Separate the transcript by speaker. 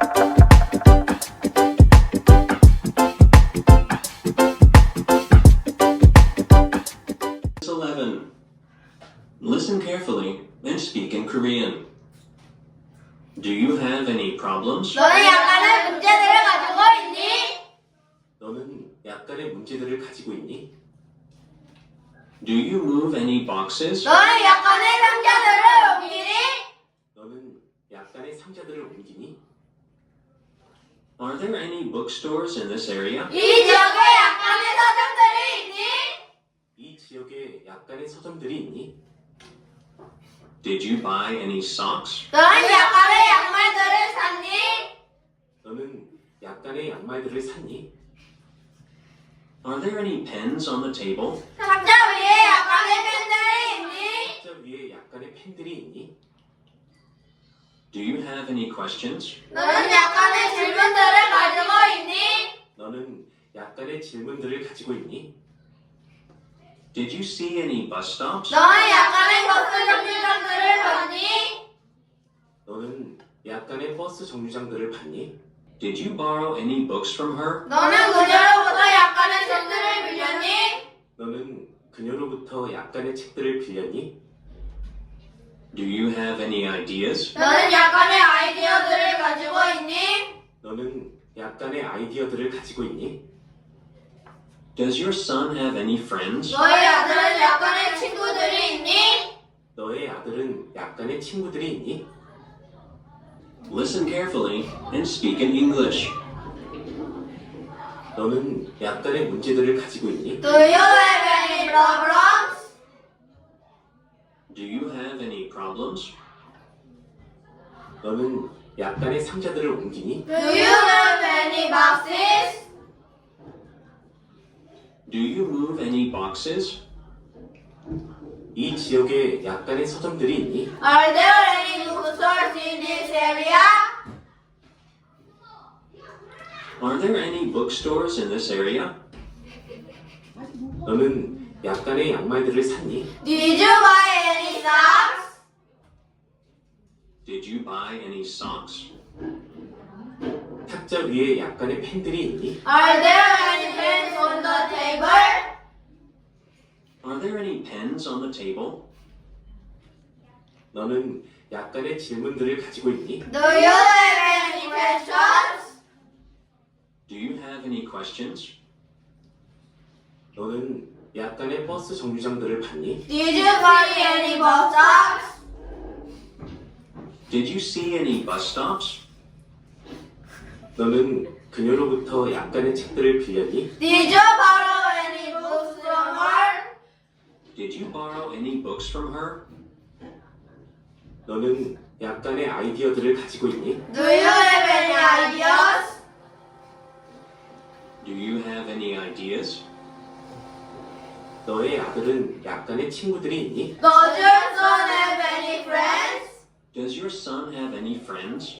Speaker 1: 11. Listen carefully and speak in Korean. Do you have any problems?
Speaker 2: 너는 약간의 문제들을 가지고 있니?
Speaker 1: 너는 약간의 문제들을 가지고 있니? Do you move any boxes?
Speaker 2: 너는 약간의 상자들을 옮기니?
Speaker 1: 너는 약간의 상자들을 옮기니? Are there any bookstores in this area?
Speaker 2: 이 지역에 약간의 서점들이 있니?
Speaker 1: 이 지역에 약간의 서점들이 있니? Did you buy any socks?
Speaker 2: 너는 약간의 양말들을 샀니?
Speaker 1: 너는 약간의 양말들을 샀니? Are there any pens on the table?
Speaker 2: 상자 위에 약간의 펜들이 있니?
Speaker 1: 상자 위에 약간의 펜들이 있니? Do you have any questions?
Speaker 2: 너는 약간의 질문들을 가지고 있니?
Speaker 1: 너는 약간의 질문들을 가지고 있니? Did you see any bus stops?
Speaker 2: 너는 약간의 버스 정류장들을 봤니?
Speaker 1: 너는 약간의 버스 정류장들을 봤니? Did you borrow any books from her?
Speaker 2: 너는 그녀로부터 약간의 책들을 빌렸니?
Speaker 1: 너는 그녀로부터 약간의 책들을 빌렸니? Do you have any ideas?
Speaker 2: 너는 약간의 아이디어들을 가지고 있니?
Speaker 1: 너는 약간의 아이디어들을 가지고 있니? Does your son have any friends?
Speaker 2: 너의 아들은 약간의 친구들이 있니?
Speaker 1: 너의 아들은 약간의 친구들이 있니? Listen carefully and speak in English. 너는 약간의 문제들을 가지고 있니?
Speaker 2: Do you have any problems?
Speaker 1: Do you have any problems? 너는 약간의 상자들을 옮기니?
Speaker 2: Do you have any boxes?
Speaker 1: Do you move any boxes? 이 지역에 약간의 서점들이 있니?
Speaker 2: Are there any bookstores in this area?
Speaker 1: Are there any bookstores in this area? 너는 약간의 양말들을 샀니?
Speaker 2: Did you buy any socks?
Speaker 1: Did you buy any socks? 탁자 위에 약간의 펜들이 있니?
Speaker 2: Are there any pens on the table?
Speaker 1: Are there any pens on the table? 너는 약간의 질문들을 가지고 있니?
Speaker 2: Do you have any questions?
Speaker 1: Do you have any questions? 너는 약간의 버스 정류장들을 봤니?
Speaker 2: Did you buy any bus stops?
Speaker 1: Did you see any bus stops? 너는 그녀로부터 약간의 책들을 빌렸니?
Speaker 2: Did you borrow any books from her?
Speaker 1: Did you borrow any books from her? 너는 약간의 아이디어들을 가지고 있니?
Speaker 2: Do you have any ideas?
Speaker 1: Do you have any ideas? 너의 아들은 약간의 친구들이 있니?
Speaker 2: Does your son have any friends?
Speaker 1: Does your son have any friends?